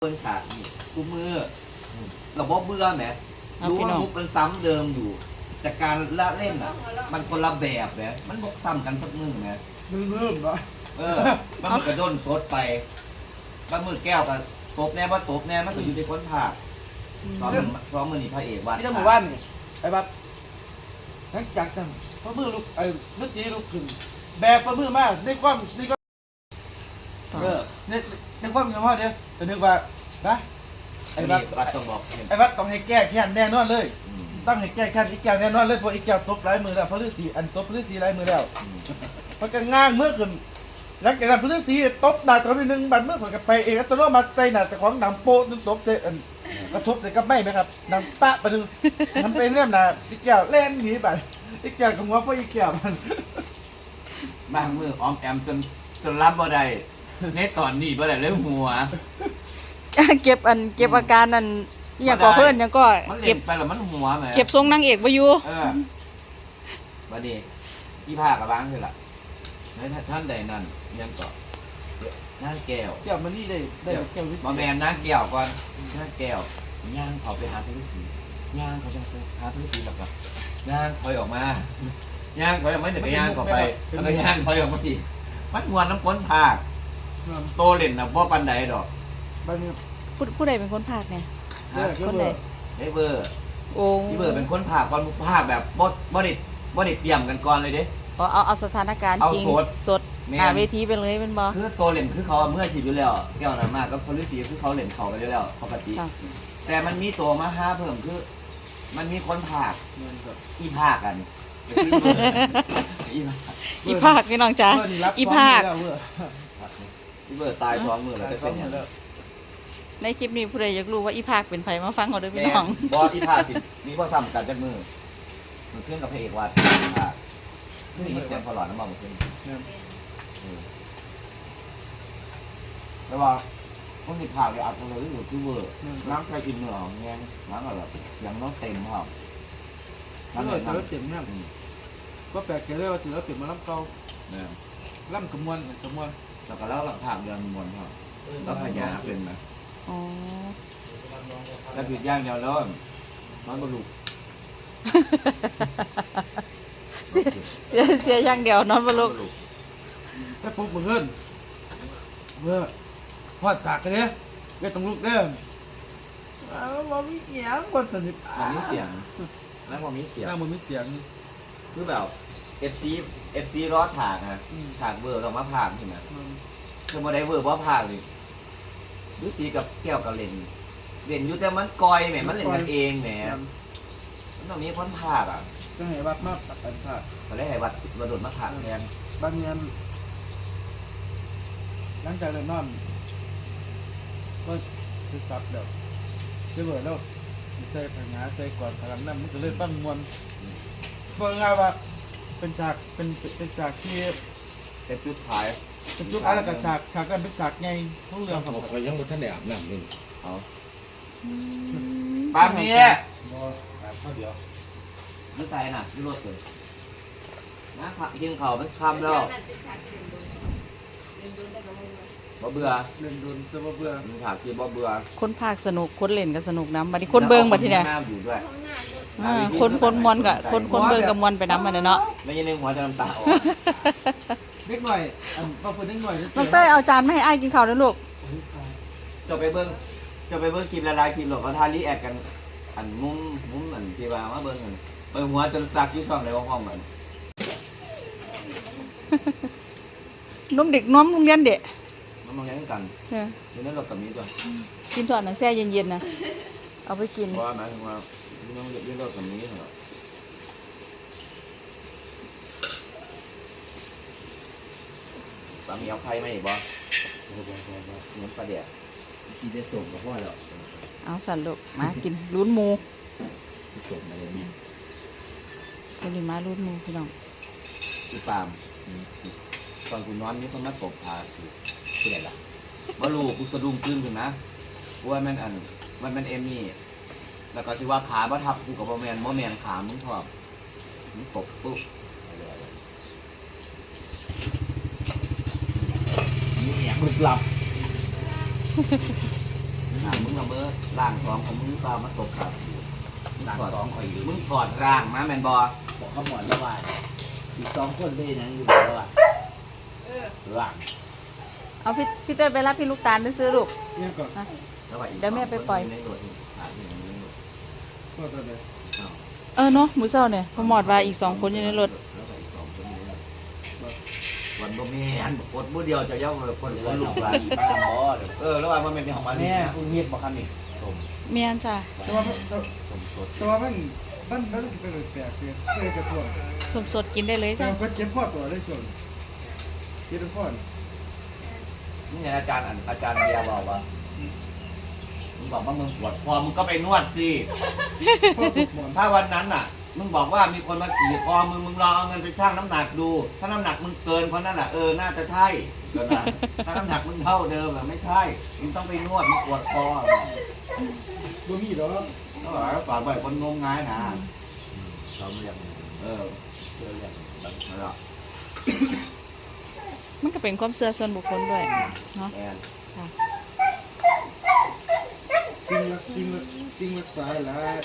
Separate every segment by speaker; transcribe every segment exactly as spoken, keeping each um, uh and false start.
Speaker 1: คนฉากนี่กูมือเราบอกเบื่อไหมรู้ว่ามุกมันซ้ำเดิมอยู่แต่การละเล่นอ่ะมันคนละแบบเนี่ยมันบอกซ้ำกันสักมือไหม
Speaker 2: ลืมๆเนาะ
Speaker 1: เออมันมือกระด้นซดไปมันมือแก้วกับตบแน่ว่าตบแน่มันก็อยู่ในคนภาคสองสองมือนี่พระเอกวัด
Speaker 2: ที่ต้องบอกว่านี่ไอ้บัดทั้งจักจังพระมือลูกไอ้เมื่อกี้ลูกขึ้นแบบพระมือมากในความในความเออในในความสมมติเนี่ยจะนึกว่านะไอ้บัด
Speaker 1: วัดต้องบอก
Speaker 2: ไอ้บัดต้องให้แก้แค้นแน่นอนเลยต้องให้แก้แค้นอีกแก้วแน่นอนเลยเพราะอีกแก้วตบหลายมือแล้วเพราะฤาษีอันตบฤาษีหลายมือแล้วมันก็ง้างเมื่อขึ้นหลังจากนั้นพฤาษีตบหน้าตัวนิดนึงบัดเมื่อข่อยกับไปเองตัวโน้มาใส่หน้าแต่ของหนังโป๊ะนึงตบเสร็จกระทบใส่กับไม่ไหมครับหนังปะไปนึงมันเป็นเรื่องหน้าอีกแก้วเล่นหนีไปอีกแก้วกับหัวเพราะอีกแก้วมัน
Speaker 1: บางมือออมแอมจนจนรับบ่ได้ในตอนนี้บ่ได้เลยหัว
Speaker 3: เก็บอันเก็บอาการนั่นอย่างก่อเพื่อนยังก็
Speaker 1: มัน
Speaker 3: เก็
Speaker 1: เก็
Speaker 3: บบ
Speaker 1: ไปแล้วมันหัวไหม
Speaker 3: เก็บทรงนางเอกไว้อยู่
Speaker 1: เออวันนี้พี่ภาคกับบ้างคือล่ะในท่านใดนั่นยังเกาะนั่งแก้ว
Speaker 2: แก้วมันนี่ได้ได้แก้ววิเศ
Speaker 1: มาแม
Speaker 2: ษ
Speaker 1: นนั่งแก้วก่อนนั่งแก้วย่างเขาไปหาพระฤาษีย่างเขาจะไปหาพระฤาษีแล้วก็ย่างถอยออกมาย่างถอยออกมาเดี๋ยวก็ย่างเข้าไปแล้วก็ย่างถอยออกมาอีกมันมวนน้ำก้นภาคโตเล่นนะพ่ปันใดดอก
Speaker 2: บางที
Speaker 3: ผู้ผู้ใดเป็นคนภาคเนี่ย
Speaker 2: เออ
Speaker 3: คนใด
Speaker 1: ไอ้เบอร์
Speaker 3: โอ้
Speaker 1: พี่เบอร์เป็นคนภาคก่อนภาคแบบบดบดิบดิเตรียมกันก่อนเลยเด้
Speaker 3: เอาเอาเอาสถานการณ์
Speaker 1: เอา
Speaker 3: จริง
Speaker 1: สด
Speaker 3: สด
Speaker 1: แม่น
Speaker 3: หน้าเวทีไปเลยเป็นบอ
Speaker 1: คือโตเล่นคือเขาเมื่อฉีดอยู่แล้วแก้วนั้นมากก็พลิสีคือเขาเล่นเขาไปอยู่แล้วปกติ
Speaker 3: ค่ะ
Speaker 1: แต่มันมีตัวมาห้าเพิ่มคือ มันมีคนภาค
Speaker 2: เงินแบบ
Speaker 1: อีภาคกันอีภาค
Speaker 3: อีภาคพี่น้องจ๋า
Speaker 2: เออนี่รับ
Speaker 3: อีภาค
Speaker 2: ซ้อมอยู่แล้วเว้ย
Speaker 1: พี่เบิร์ดตายซ้อมมือแล้วจะ
Speaker 2: ซ้อ
Speaker 1: เป็น
Speaker 2: ม
Speaker 1: ยัง
Speaker 2: แล้ว
Speaker 3: ในคลิปนี้ผู้ใดอยากรู้ว่าอีภาคเป็นไผมาฟังเอาเด้อพี่
Speaker 1: แม่
Speaker 3: น้อง
Speaker 1: บอสอีภาคสิมีข้อซ้ำกันจากมือมันขึ้นกับพระเอกวัดอีภาคนี่เสียงพอหลอดน้ำมันมันขึ้น
Speaker 2: เนี่ย
Speaker 1: แต่ว่าคนที่ภาคเลยอัดเลยอยู่ที่เบิร์ดน้ำใครอินเหนือของแงงน้ำอะไรอย่างน้องเต็มครับ
Speaker 2: ถ้า
Speaker 1: น้ำ
Speaker 2: เกิ
Speaker 1: เต็
Speaker 2: ด
Speaker 1: ม
Speaker 2: เจอ
Speaker 1: น้ำ
Speaker 2: เจ็บเนี่ยก็แปลกใจเลยว่าถือว่าเปลี่ยนมาล้ำเก่า
Speaker 1: เนี่ย
Speaker 2: ล้ำกระมวลกระมวล
Speaker 1: แล้วก็เล่าหลังภาคเดือนมวลครับแล้วพญาเป็นไหม
Speaker 3: อ๋อ
Speaker 1: แล้วผิดย่างเดียวแล้วมันบรรลุ
Speaker 3: เสียเสียเสียอย่างเดียวนอนบนโลก
Speaker 2: แต่ปุ๊บมึงเงินเมื่อพอจากกันเนี่ยก็ต้องลุกเด้ออ้าวมันมีเสียงคนสนิท
Speaker 1: มันมีเสียงแล้วมันมีเสียง
Speaker 2: น่ามันมีเสียง
Speaker 1: คือแบบ เอฟ ซี เอฟ ซี รอดถากนะถากเบอร์เรามาผากใช่ไหมคือมาได้เบอร์ว่าผากเลยดูสีกับแก้วกับเลนเลนอยู่แต่มันกอยแหมมันเล่นกันเองแหมมันต้องมีคนผากอ่ะ
Speaker 2: ก็ให้วัดมากตัดกันค่ะ
Speaker 1: เขาได้ให้วัดกระโดดมาผากแทน
Speaker 2: บางเงินหลังจากเดินนอนก็จะตัดเดี๋ยวจะเบิดแล้วใส่ผงาใส่ก่อนพลังน้ำมันก็เลยปั้งมวลเบิ่งเอาว่าเป็นฉากเป็นเป็นฉากที่
Speaker 1: เป็นจุดท้าย
Speaker 2: เป็นจุดอะไรกับฉากฉากกันเป็นฉากไงทุกเรื่องครับ
Speaker 4: ผมก็ยังไม่ทันได้อาบน้ำเลย
Speaker 1: เอา
Speaker 3: อืม
Speaker 1: ปามนี้
Speaker 4: บ่อาบข้าวเดียว
Speaker 1: ไม่ใส่น่ะที่รถเลยนะกินเขาเป็นคำแล้วบ่เบื่อ
Speaker 2: เล่นโดนจะมาเบื่อ
Speaker 1: มึงถามคือบ่เบื่อ
Speaker 3: คนภาคสนุกคนเล่นก็สนุกน้ำบัดนี้คนเบิ่งบัดทีเนี่ย
Speaker 1: น้ำอยู่ด้วย
Speaker 3: อ่าคนคนมวนกับคนคนเบิ่งกับมวนไปน้ำมันเนาะ
Speaker 1: ไม่ใช่ในหัวจะน้ำตาออก
Speaker 2: เล็กหน่อยอันบางคนเล็กหน่อย
Speaker 3: น้องเต้ยเอาจานมาให้อ้ายกินข้าวด้วยลูก
Speaker 1: จะไปเบิ้งจะไปเบิ้งคลิปละลายคลิปหรอกเขาทารีแอคกัน อันมุ้งมุ้งอันที่ว่ามาเบิ้งกันไปหัวจนซักที่ช่องในห้องกัน
Speaker 3: นมเด็กน้อมโรงเรียนเด็ก
Speaker 1: มันมองยังกัน
Speaker 3: เออ
Speaker 1: อยู่ในรถกับนี้ตัว
Speaker 3: กินตอนนั้นแช่เย็นๆนะเอาไปกิน
Speaker 1: เพราะว่าหมายถึงว่ายังอยู่ในรถกับนี้เหรอปลาหมีเอาไข่มาอีกบ่เหมือนปลาเดี่ยกินได้ส่งกับพ่อแล้ว
Speaker 3: เอาสันลูกมากินลุ้นหมู
Speaker 1: ส่งมาเลยนี่
Speaker 3: คนนี้มาลุ้นหมูพี่น้อง
Speaker 1: คือปาล์มตอนกูนอนนี่คนมาตบพาคือคืออะไรล่ะว่าลูกกูสะดุ้งตื่นถึงนะว่ามันอันมันเป็นเอมี่แล้วก็ที่ว่าขาบ่ทับกูกับบ่แมนบ่แมนขามึงพอบมึงตบปุ๊บนี่อย่างมึงหลับอ่ามึงละเมอร่างสองของมึงเปล่ามาตกขาร่างสองคอยอยู่มึงถอดร่างมาแมนบอ
Speaker 5: บอกเขาหมอนแล้วว่าอีกสองคนได้ยังอยู่แล้วว่าหลัง
Speaker 3: เอาพี่พี่เต้ยไปรับพี่ลูกตาลไปซื้อลูก
Speaker 2: เนี่ยก่อน
Speaker 3: นะ
Speaker 1: แล้วว่าอีก
Speaker 3: เดี๋ยวแม่ไปปล่อย
Speaker 1: ในรถนี่อ่าอยู่ในรถ
Speaker 2: ก็ตอนนี้
Speaker 1: อ้าว
Speaker 3: เออเนาะหมูเศร้าเนี่ยพอหมอดว่าอีกสองคนอยู่ในรถ
Speaker 1: แล้วก็อีกสองคนอยู่ในรถวันบ่แม่นกดมือเดียวจะย่อคน
Speaker 5: เดี๋ยว
Speaker 1: คน
Speaker 5: ลู
Speaker 1: ลู
Speaker 5: ก
Speaker 1: ก
Speaker 5: หลา
Speaker 1: ลาน น
Speaker 5: อีกบ้านบอส
Speaker 1: เออแล้วว่ามันเป็นของมัน
Speaker 5: แม่
Speaker 1: นี่
Speaker 5: กูเงียบบอกคำนี้สม
Speaker 3: เมียนจ้ะ
Speaker 2: แต่ว่าแต่
Speaker 1: สมสด
Speaker 2: แต่ว่ามันมันมันเป็นแปลกๆเลยเคยกระตัว
Speaker 3: สมสดกินได้เลย
Speaker 2: แต่
Speaker 3: จ้ะ
Speaker 2: ก็เจ็บพ่อตัวได้ชนเจ็บพ่อ
Speaker 1: นี่ไงอาจารย์อันอาจารย์เบียร์บอกว่ามึงบอกว่ามึงปวดคอมึงก็ไปนวดสิ
Speaker 2: พ่อตกหมอน
Speaker 1: ถ้าวันนั้นน่ะ มึงบอกว่ามีคนมาขี่คอมึงมึงลองเอาเงินไปชั่งน้ำหนักดู ถ้าน้ำหนักมึงเกินเพราะนั่นแหละเออน่าจะใช่ก็นะถ้าน้ำหนักมึงเท่าเดิมอะไม่ใช่มึงต้องไปนวดมึงปวดคอ
Speaker 2: บ่มีหรอก
Speaker 1: ก็บอกว่าฝากไว้คนงมงายนะ
Speaker 5: เขาเรียก
Speaker 1: เออ
Speaker 5: เชื่อเรียก
Speaker 1: นั่นแหละ
Speaker 3: มันก็เป็นความเชื่อส่วนบุคคลด้วยเนาะ
Speaker 1: แอน
Speaker 2: สิ่งรักสิ่งรักสิ่งรักษาหลาย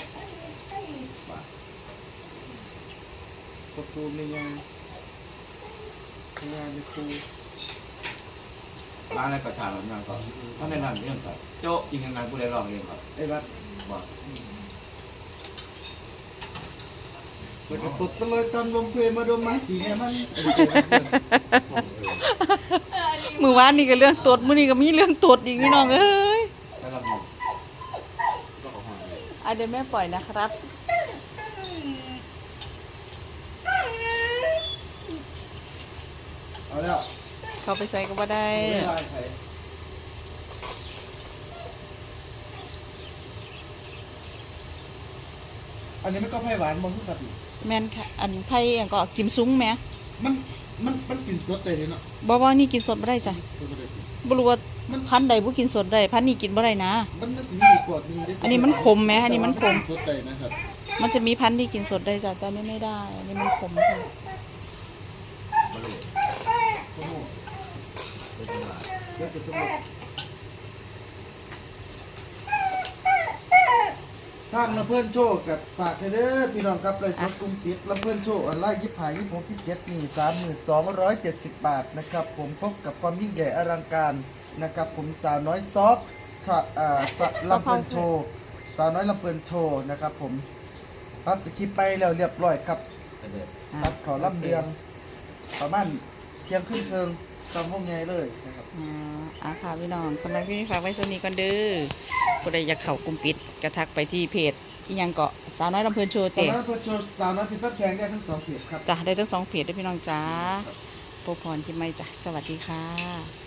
Speaker 2: ประตูในงานงานในครู
Speaker 1: ร้านในประชาชนนั่นก็ถ้าในนั้นเรื่องก็โจ๊ะจริงยังไงผู้ใดลองเองครับ
Speaker 2: ไอ้วัด
Speaker 1: บอก
Speaker 2: แล้วก็ตดไปเลยตามลมเพลมาดมไม้สีเนี่ยมัน
Speaker 3: มือวานนี่ก็เรื่องตดมื้อนี้ก็มีเรื่องตดอีกพี่น้องเอ้ย
Speaker 1: แล้วเราบอก
Speaker 3: อ่ะเดี๋ยวแม่ปล่อยนะครับ
Speaker 2: เอาแล้ว
Speaker 3: เขาไปใส่ก็บ่ได้
Speaker 2: ไม่ได้ใครอันนี้มันก็ไผ่หวานมองทุกสัตว์อยู่
Speaker 3: แม่นค่ะอันไผ่อันก็กิมซุ้งแหม
Speaker 2: มันมันมันกลิ่นสดเลยเนาะ
Speaker 3: บ่ว่านี่กินสดบ่ได้จ้ะ
Speaker 2: สดบ่ได้กิน
Speaker 3: บ่รู้ว่าพันธุ์ใดบ่กินสดได้พันธุ์นี้กินบ่ได้นะ
Speaker 2: มันมันสิมีอีกกว่าที่ได้
Speaker 3: อันนี้มันขมไหมอันนี้มันขม
Speaker 2: สดใจนะครับ
Speaker 3: มันจะมีพันธุ์ที่กินสดได้จ้ะแต่อันนี้ไม่ได้ อันนี้มันขมค่ะ
Speaker 1: มาเลย
Speaker 2: โอ้โห
Speaker 1: เป็นจังหวะ
Speaker 2: เดี๋ยวจะจมูกทางละเพื่อนโชคกับฝากเด้อพี่น้องครับเลยสดกรุงปิดละเพื่อนโชคออนไลน์ยี่สิบห้ายี่สิบหกยี่สิบเจ็ดนี่สามหมื่นสองร้อยเจ็ดสิบบาทนะครับผมพบกับความยิ่งใหญ่อลังการนะครับผมสาวน้อยซอฟสะอ่าสะลำเพื่อนโชว์สาวน้อยลำเพื่อนโชว์นะครับผมปั๊บสคริปต์ไปแล้วเรียบร้อยครับ
Speaker 1: เด็ด
Speaker 2: ตัดขอลำเรียงประมาณเที่ยงครึ่งเพิงตามพวกไงเลยนะครับ
Speaker 3: อ่าอ่ะค่ะพี่น้องสำหรับที่นี้ฝากไว้ส่วนนี้ก่อนเด้อผู้ใดอยากเข้ากลุ่มปิดกระทักไปที่เพจอีหยังเกาะสาวน้อยลำเพลินโชว์
Speaker 2: สาว
Speaker 3: เตะ
Speaker 2: น้อยเพื่อนโชว์สาวน้อยพิมพ์แป๊บแพงได้ทั้งสองเพจครับ
Speaker 3: จ้ะได้ทั้งสองเพจด้วยพี่น้องจ้าโปรพรที่ไม่จ้ะสวัสดีค่ะ